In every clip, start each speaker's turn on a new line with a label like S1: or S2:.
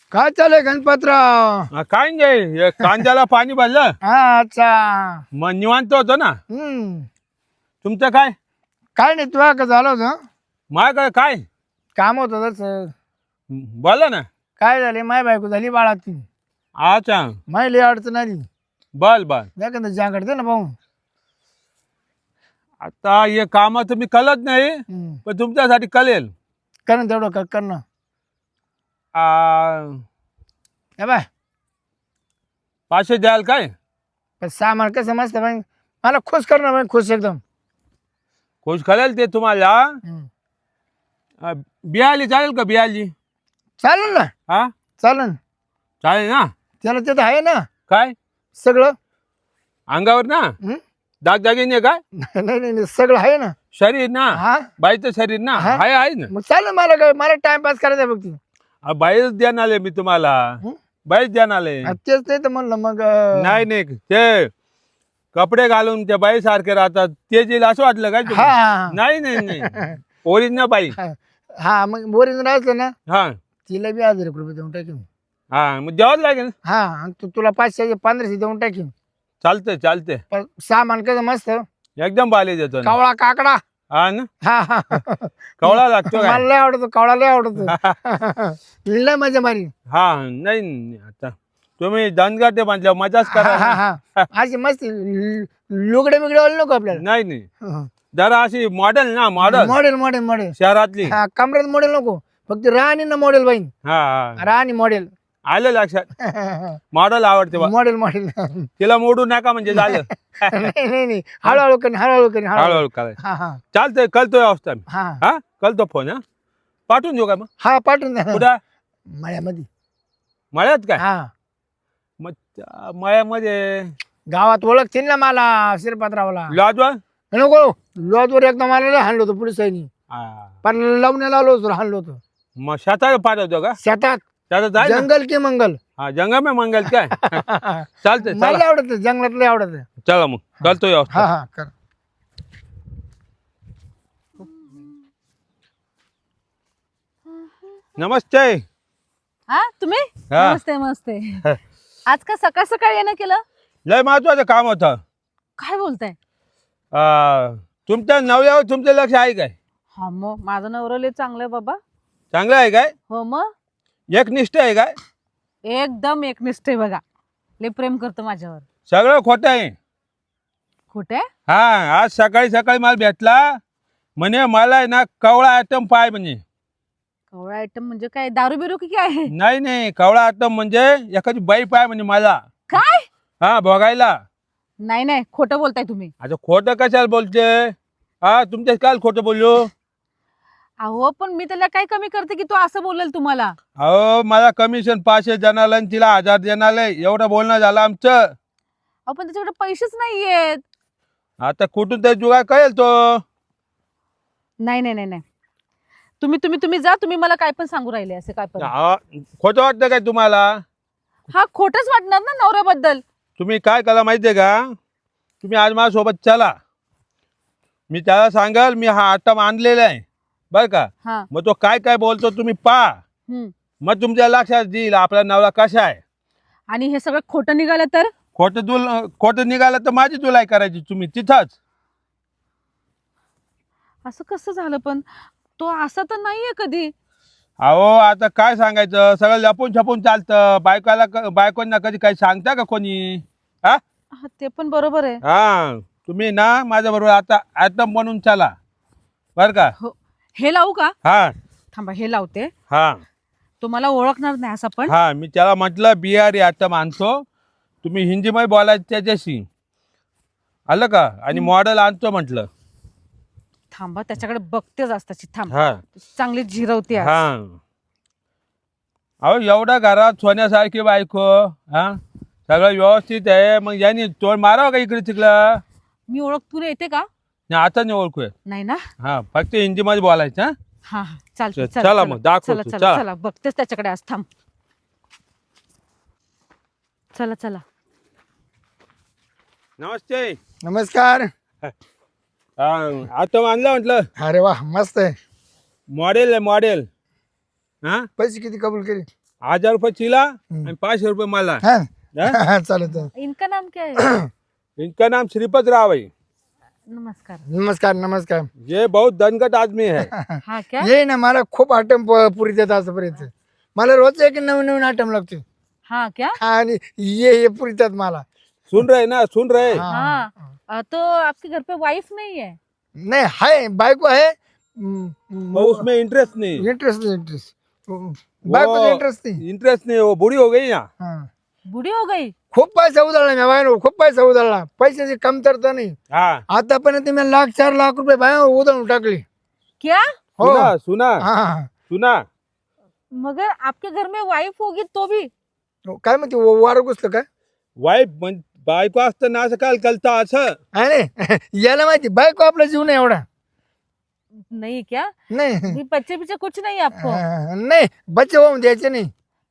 S1: काय चालय गणपतराव?
S2: काय नाही हे कांद्याला पाणी भरलं
S1: हा अच्छा.
S2: मग निवांत होतो ना. तुमचं काय?
S1: काय नाही तुला का झालं होतं?
S2: माझ्याकडे काय
S1: काम होतं तसं.
S2: बोला ना.
S1: काय झाले, माय बायको झाली बाळाती.
S2: अच्छा
S1: माय लई अडचण आली.
S2: बल बर.
S1: एखादं जांकड दे ना भाऊ.
S2: आता हे काम तुम्ही कळत नाही पण तुमच्यासाठी कळेल.
S1: कर ना तेवढं कर ना. हे बाय,
S2: 500 द्याल काय?
S1: पण सामान कसं मस्त बाई, मला खुश कर ना बाई, खुश एकदम.
S2: खुश कळेल ते तुम्हाला. बियाली चालेल का बियाली?
S1: चालेल ना.
S2: हा
S1: चालेल.
S2: चालेल ना.
S1: त्याला तिथं आहे ना
S2: काय
S1: सगळं.
S2: अंगावर ना दागदागिने काय?
S1: नाही नाही नाही, सगळं आहे ना.
S2: शरीर ना
S1: हा
S2: बाईचं शरीर ना
S1: हा.
S2: आहे ना.
S1: मग चालेल, मला काय, मला टाइमपास करायचा आहे फक्त.
S2: बाईच द्यान आले मी तुम्हाला. बाईच द्यान आले.
S1: तेच नाही तर म्हणलं मग.
S2: नाही नाही ते कपडे घालून त्या बाई सारखे राहतात ते जे असं वाटलं काय
S1: हा
S2: तुम्हाला?
S1: हा
S2: नाही नाही नाही ओरिजिनल बाई.
S1: हा. हा मग बोरिंग असलं ना,
S2: हा
S1: तिला बी 1000 रुपये देऊन टाकीन.
S2: हा मग द्यावंच लागेल.
S1: हा आणि तुला 500 1500 देऊन टाकीन.
S2: चालतंय चालतंय.
S1: पण सामान कसं मस्त,
S2: एकदम बाले देतो ना.
S1: कावळा काकडा.
S2: हा ना.
S1: हा हा
S2: कवळा लागतो
S1: मला
S2: काय?
S1: लय आवडतो कावळा, लय आवडतो. लय मजा मारी.
S2: हा नाही नाही, आता तुम्ही दणगाटे म्हटल्या मजाच
S1: हा
S2: करा
S1: हा
S2: ना.
S1: हा अशी मस्त लुगडे बिगडे वाले नको आपल्याला.
S2: नाही नाही जरा अशी मॉडेल ना मॉडेल
S1: मॉडेल मॉडेल मॉडेल.
S2: शहरातली.
S1: हा कमरेत मॉडेल नको, फक्त राणी ना मॉडेल बाई.
S2: हा हा
S1: राणी मॉडेल.
S2: आलं लक्षात. मॉडेल आवडते बा.
S1: Model model.
S2: तिला मोडू नका म्हणजे झालं.
S1: नाही नाही नाही, हळूहळू करी हळूहळू करी हळूहळू.
S2: हळूहळू करायचं.
S1: हा हा
S2: चालतंय कळतोय अवस्था मी.
S1: हा
S2: हा कळतो फोन. हा पाठवून देऊ का मग?
S1: हा पाठवून द्या.
S2: कुठं?
S1: मळ्यामध्ये.
S2: मळ्यात काय?
S1: हा
S2: मग त्या मळ्यामध्ये
S1: गावात ओळखतील ना मला, शिरपात्रावला.
S2: लॉजवर?
S1: नको लॉजवर एकदा मला लय हाणलं होतं पोलिसांनी.
S2: हा.
S1: पण लावण्याला आलो होतो, हाणलं होतं
S2: मग शेतात पाठवतो का?
S1: शेतात.
S2: शेतात जाय ना.
S1: जंगल की मंगल.
S2: हा जंगल में मंगल काय? चालतंय
S1: मला
S2: चला.
S1: आवडत जंगलात, लय आवडत.
S2: चला मग कळतोय
S1: हा
S2: अवस्था.
S1: हा कर.
S2: नमस्ते.
S3: हा तुम्ही?
S2: हा.
S3: नमस्ते नमस्ते. आज का सकाळ सकाळ येणं केलं?
S2: लय महत्वाचं काम होतं.
S3: काय बोलताय?
S2: तुमच्या नवऱ्यावर तुमचं लक्ष आहे काय?
S3: हा मग माझं नवरं लय चांगलं आहे बाबा.
S2: चांगलं आहे काय?
S3: हो मग
S2: एकनिष्ठ आहे काय?
S3: एकदम एकनिष्ठ आहे बघा. लय प्रेम करतो माझ्यावर.
S2: सगळं खोटं आहे.
S3: खोटे?
S2: हा आज सकाळी सकाळी मला भेटला म्हणे मला आहे ना कवळा आयटम पाय म्हणे.
S3: कवळा आयटम म्हणजे काय, दारू बिरू की काय?
S2: नाही नाही कवळा आयटम म्हणजे एखादी बाई पाय म्हणजे मला.
S3: काय?
S2: हा बघायला.
S3: नाही नाही, खोटं बोलताय तुम्ही.
S2: आता खोटं कशाला बोलते? हा तुमच्या काल खोटं बोललो?
S3: अहो पण मी त्याला काय कमी करते की तो असं बोलेल तुम्हाला?
S2: अहो मला कमिशन 500 जणाला आणि तिला 1000 जणाला एवढं बोलणं झालं आमचं.
S3: अहो पण त्याच्याकडे पैसेच नाहीयेत.
S2: आता कुठून तरी जुगाड कळेल तो.
S3: नाही नाही नाही नाही, तुम्ही तुम्ही तुम्ही जा. तुम्ही मला काय पण सांगू राहिले असे काय पण.
S2: खोटं वाटतं काय तुम्हाला?
S3: हा खोटच वाटणार ना नवऱ्याबद्दल.
S2: तुम्ही काय करा माहितीये का? तुम्ही आज माझ्यासोबत चला. मी त्याला सांगाल मी हा आयटम आणलेला आहे बरं का.
S3: हा.
S2: मग तो काय काय बोलतो तुम्ही पहा. मग तुमच्या लक्षात येईल आपला नवरा कसा आहे.
S3: आणि हे सगळं खोटं निघालं तर?
S2: खोटं निघालं तर माझी तुलाई करायची तुम्ही तिथंच.
S3: असं कसं झालं पण? तो असा तर नाहीये कधी.
S2: अहो आता काय सांगायचं, सगळं लपून छपून चालतं. बायकोंना कधी काही सांगता का कोणी? हा
S3: हा, ते पण बरोबर आहे.
S2: हा तुम्ही ना माझ्या बरोबर आता आयटम बनवून चला बर का.
S3: हो, हे लावू का?
S2: हा
S3: थांबा, हे लावते.
S2: हा
S3: तो मला ओळखणार नाही असं पण.
S2: हा मी त्याला म्हटलं बिहारी आयटम आणतो, तुम्ही हिंदीमध्ये बोलायचं त्याच्याशी आलं का. आणि मॉडेल आणतो म्हटलं.
S3: थांबा, त्याच्याकडे बघतेच असताची. थांब,
S2: हा
S3: चांगली झिरवते आज.
S2: हा अहो एवढ्या घरात सोन्यासारखी बायको. हा सगळं व्यवस्थित आहे. मग यांनी तोड मारावं का इकडे तिकडं?
S3: मी ओळख तुला येते का?
S2: नाही आता नाही ओळखूया.
S3: नाही ना?
S2: हा फक्त हिंदीमध्ये बोलायचं. हा
S3: हा हा, चालते.
S2: चला मग, दाखव
S3: चला
S2: तू,
S3: चला
S2: चला.
S3: चला, बघतेच त्याच्याकडे आज. थांब, चला चला.
S2: नमस्ते.
S1: नमस्कार.
S2: आयटम आणलं म्हटलं.
S1: अरे वा मस्त आहे.
S2: मॉडेल आहे मॉडेल. हा
S1: पैसे किती कबूल केले?
S2: 1000 रुपये चिला आणि 500 रुपये मला.
S1: हा
S2: हाँ?
S1: हा, चालेल चालेल.
S3: इनका नाम क्या है?
S2: इनका नाम श्रीपत राव है.
S3: नमस्कार.
S1: नमस्कार नमस्कार.
S2: ये बहुत दनगट आदमी है.
S3: हाँ क्या?
S1: ये ना मला खूप आयटम पुरी देत आजपर्यंत. मला रोज एक नवीन नवीन आयटम लागते.
S3: हाँ क्या?
S1: आणि ये पुरी देतात मला.
S2: सुन रहे ना, सुन रहे.
S3: हाँ तो आपके घर पे वाइफ नहीं है?
S1: नाही हाय बायको आहे.
S2: वो उसमें इंटरेस्ट नहीं.
S1: इंटरेस्ट नहीं इंटरेस्ट. बायको इंटरेस्ट नाही.
S2: इंटरेस्ट नहीं, वो बूढ़ी हो गई ना.
S1: हा.
S3: बुढ़ी हो गई?
S1: खूप पैसा उधळला मी बाहेर. खूप पैसा उधळला. पैशाची कमतरता नाही.
S2: हाँ.
S1: आतापर्यंत मी 1,00,000-4,00,000 रुपये बाहेर उधळून टाकली.
S3: क्या?
S1: हो.
S2: सुना सुना
S1: हा.
S2: सुना.
S3: मगर आपके घर में वाइफ होगी तो भी?
S1: काय म्हणते वारं घुसलं काय?
S2: वाईफ बायको असताना असं काल कलता असं.
S1: अरे याला माहिती बायको आपला जीव नाही एवढा.
S3: नहीं क्या?
S1: नाही
S3: भी बच्चे पीछे कुछ नहीं आपको?
S1: नाही बच्चे होऊन द्यायचे नाही.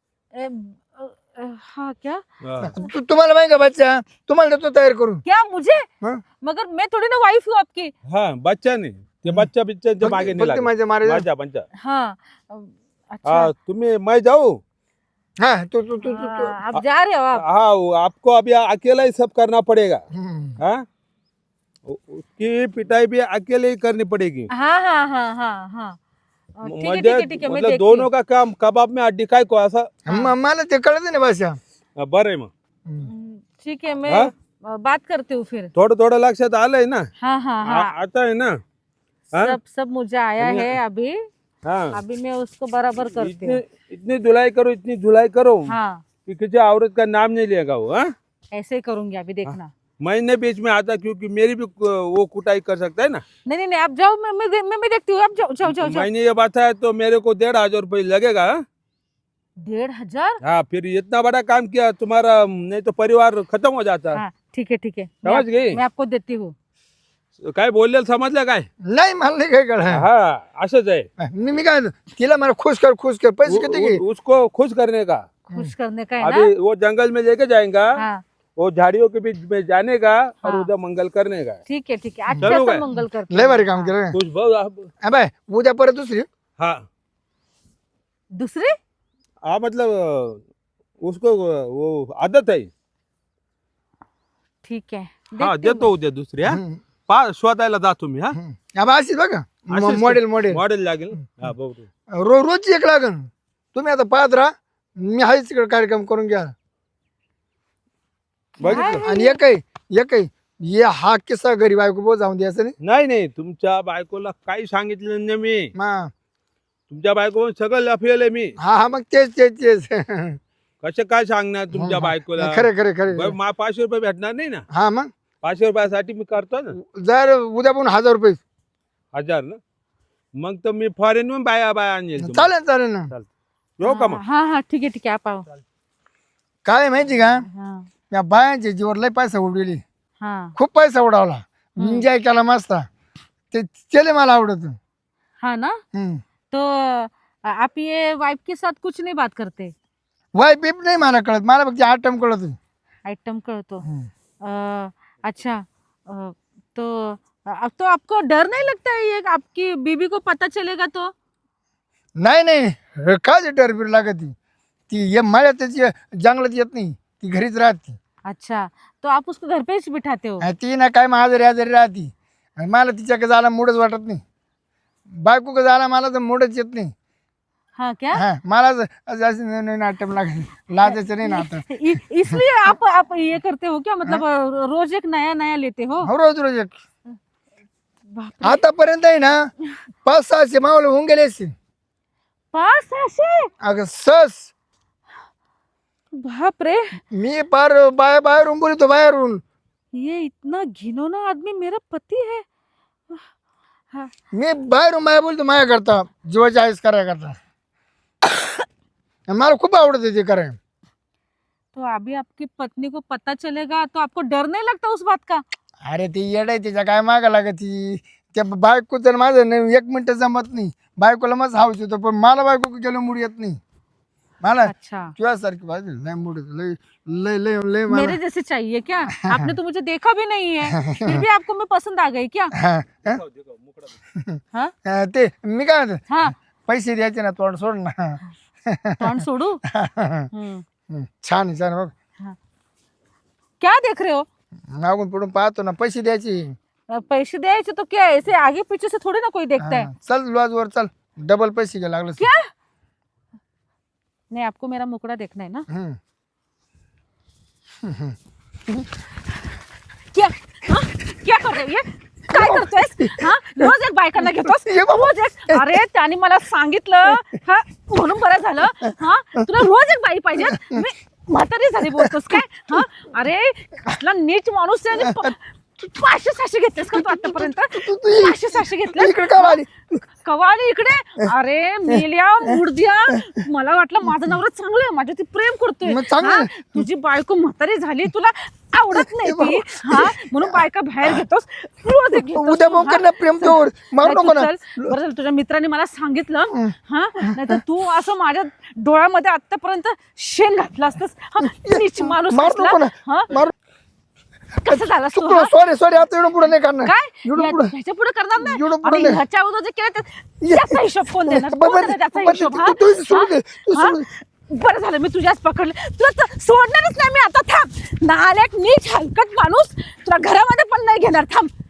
S3: हाँ क्या?
S2: हाँ.
S1: तुम्हाला माहिती का बच्चा तुम्हाला देतो तयार करून.
S3: क्या मुझे?
S1: हाँ?
S3: मगर मैं थोड़ी ना वाइफ हूँ आपकी.
S2: हाँ, बच्चा नाही ते बच्चा बिच्चा मागे नाही
S1: फक्त
S2: लागत.
S1: माझ्या मारे
S2: माझ्या बच्चा.
S3: हाँ अच्छा.
S2: हाँ, तुम्ही मैं जाऊँ.
S1: हा तू
S3: आप जा रहे हो आप?
S2: हाँ, आपको अभी अकेला ही सब करना पड़ेगा.
S1: हम्म.
S2: हाँ, उसकी पिटाई भी अकेले ही करनी पड़ेगी.
S3: हाँ हाँ हाँ हाँ हाँ. ठीक है
S2: म्हणजे
S3: ठीक है ठीक है मैं
S2: मतलब
S3: देखती
S2: दोनों
S3: हूँ.
S2: का काम कबाब में हड्डी काय को असं.
S1: मला ते कळत नाही भाषा.
S2: बरं आहे मग.
S3: ठीक है मैं
S2: हाँ?
S3: बात करती हूँ फिर.
S2: थोडं थोडं लक्षात आलंय ना.
S3: हाँ हाँ हाँ.
S2: आता है ना. हाँ?
S3: सब मुझे आया है अभी.
S2: हाँ,
S3: अभी मैं उसको बराबर करती हूँ.
S2: इतनी धुलाई करो, इतनी धुलाई करो
S3: हाँ
S2: कि किसी औरत का नाम नहीं लेगा वो. हाँ,
S3: ऐसे ही करूंगी अभी देखना.
S2: मैंने बीच में आता क्योंकि मेरी भी वो कुटाई कर सकता है ना.
S3: नहीं नहीं नहीं आप जाओ. मैं देखती हूँ. आप जाओ जाओ जाओ जाओ.
S2: मैंने ये बताया तो मेरे को 1,500 रुपये लगेगा. हाँ?
S3: 1,500?
S2: हाँ, फिर इतना बड़ा काम किया तुम्हारा, नहीं तो परिवार खत्म हो जाता.
S3: हाँ ठीक है ठीक है.
S2: समझ गई?
S3: मैं आपको देती हूँ.
S2: काय बोललेलं समजलं काय.
S1: नाही मला नाही काय कळ.
S2: हाँ, असंच आहे.
S1: मी काय तिला मला खुश कर पैसे किती घे.
S2: उसको खुश करने का.
S3: खुश करने का है ना.
S2: अभी वो जंगल में लेके जाएगा.
S3: हाँ
S2: वो झाड़ियों के बीच में जाने का और
S3: हाँ.
S2: उधर मंगल करने का.
S3: ठीक है अच्छा
S2: चलो
S3: सा
S2: काय?
S3: मंगल करते
S1: लय
S3: हैं.
S1: भारी काम केलं.
S2: खुश भाऊ आप.
S1: बाय उद्या परत दुसरी.
S2: हाँ
S3: दूसरे?
S2: हाँ, मतलब उसको वो आदत है.
S3: ठीक है.
S2: हाँ,
S3: देखती हूँ
S2: देतो उद्या दुसरी. हा, शोधायला जा तुम्ही. हा,
S1: अब अशीच बघा
S2: अशीच
S1: मॉडेल
S2: मॉडेल लागेल. हा, बघू.
S1: रोजची एक लागन. तुम्ही आता पाहत राहा. मी हाच इकडे कार्यक्रम करून घ्या.
S2: बघितलं.
S1: आणि एकही ये हा किस्सा घरी बायको बोल जाऊन द्यायचं नाही.
S2: नाही नाही, तुमच्या बायकोला काही सांगितलं नाही मी.
S1: मा
S2: तुमच्या बायको सगळं लफेल मी.
S1: हा मग तेच
S2: कसं काय सांगणार तुमच्या बायकोला.
S1: खरे
S2: 500 रुपये भेटणार नाही ना.
S1: हा मग
S2: 500 रुपयासाठी मी करतो ना.
S1: जर उद्या पण 1,000 रुपये
S2: 1000 ना. मग तर मी फॉरेन बाया आणेल तुम्हाला.
S1: चालेल ना.
S2: येऊ का मग.
S3: हाँ हाँ ठीक है आप आओ.
S1: काय माहिती का
S3: हाँ
S1: त्या बायांच्या जीवर लय पैसा उडविली.
S3: हाँ
S1: खूप पैसा उडवला. एन्जॉय केला मस्त. ते केले मला आवडत.
S3: हाँ ना. तो आप ये वाइफ के साथ कुछ नहीं बात करते?
S1: वाय बीप नाही मला कळत. मला फक्त आयटम कळत.
S3: आइटम कर तो अच्छा. तो अब तो आपको डर नहीं लगता है ये आपकी बीबी को पता चलेगा तो?
S1: नाही काय डरबीर लागत ती ये मला त्याची जंगलात येत नाही. ती घरीच राहते.
S3: अच्छा तो आप उसको घर पे ही बिठाते हो?
S1: ती ना काय आजारी राहते. आणि मला तिच्याकडे जायला मूडच वाटत नाही. बायको जायला मला तर मूडच येत नाही.
S3: हाँ क्या?
S1: हा मला नवीन आयटम लागत लाजायचं नाही ना आता.
S3: इसलिए आप ये करते हो क्या? मतलब रोज एक नया लेते हो?
S1: हो रोज एक.
S3: बाप रे.
S1: आतापर्यंत आहे ना 500-600 मावले होऊन गेले असतील.
S3: 500?
S1: अगं सस
S3: बाप रे.
S1: मी पार बाहेरून बोलतो बाहेरून.
S3: ये इतना घिनौना आदमी मेरा पति है. हाँ.
S1: मी बाहेरून बाहेर बोलतो माया करता जीवाची आईस कराय करता. मला खूप आवडते ते कराय.
S3: तो अभी आपकी पत्नी को पता चलेगा तो आपको डर नहीं लगता उस बात का?
S1: अरे ती येड आहे. तिच्या काय मागा लागत ती. त्या बायको तर माझं नाही 1 मिनिट जमत नाही. बायकोला मस्त हाऊस येतो पण मला बायको गेलो मूड येत नाही. मला
S3: अच्छा
S1: तुझ्यासारखी बाजू लय मूड येतो. लय लय लय लय मला.
S3: मेरे जैसे चाहिए क्या? आपने तो मुझे देखा भी नहीं है फिर भी आपको मैं पसंद आ गई क्या?
S1: हा, हा?
S3: हाँ
S1: ते मी काय म्हणतो
S3: हाँ.
S1: पैसे द्यायचे ना तोंड सोड ना.
S3: तोंड सोडू
S1: छान आहे, छान आहे बघ.
S3: क्या देख रहे हो?
S1: मागून पुढून पाहतो ना, पैसे द्यायचे.
S3: पैसे द्यायचे तो क्या ऐसे आगे पीछे से थोड़ी ना कोई देखता है.
S1: चल लॉज वर चल, डबल पैसे घ्या लागलं.
S3: क्या? नहीं, आपको मेरा मुकड़ा देखना है ना? क्या? हाँ? क्या कर रही है? काय करतोयस? हाँ? रोज एक बायकांना घेतोस? रोज एक? अरे त्याने मला सांगितलं हा म्हणून बरं झालं. हा तुला रोज एक बाई पाहिजे? मी म्हातारी झाली बोलतोस काय? हा अरे कसला नीच माणूस आहे. तू 500-600 घेतलेस का तू आतापर्यंत? 500-600 घेतले?
S1: इकडे का आली?
S3: कवाली इकडे? अरे मेल्या मुर्द्या, मला वाटलं माझं नवरा चांगलं आहे, माझ्या ती प्रेम करतोय.
S1: मग चांगलं
S3: हा?
S1: आहे.
S3: तुझी बायको म्हातारी झाली, तुला आवडत नाही ती. हा म्हणून बायका बाहेर घेतोस, रोज एक घेतोस.
S1: उद्या मग कर ना प्रेम तोवर, मारू
S3: नाही,
S1: नको
S3: तू
S1: ना.
S3: चल. बरं झालं तुझ्या मित्राने मला सांगितलं. हा नाहीतर तू असं माझ्या डोळ्यामध्ये आतापर्यंत शेण घातलं असतस. नीच माणूस
S1: मारू नको
S3: असला.
S1: ना.
S3: हा
S1: मारू.
S3: कसं झालं तू?
S1: चुकलो, सॉरी सॉरी, आता एवढं पुढे नाही करणार.
S3: काय
S1: एवढं पुढे
S3: ह्याच्या पुढे करणार नाही?
S1: एवढं पुढं
S3: आणि
S1: नाही.
S3: ह्याच्या अगोदर जे केलं त्याचा हिशोब कोण देणार? कोण देणार त्याचा हिशोब? हा?
S1: तू सोडून दे, तू
S3: हा?
S1: सोडून दे.
S3: बरं झालं मी तुझ्याच पकडले. तुला तर सोडणारच नाही मी आता. थांब, नालायक नीच हलकट माणूस, तुला घरामध्ये पण नाही घेणार. थांब.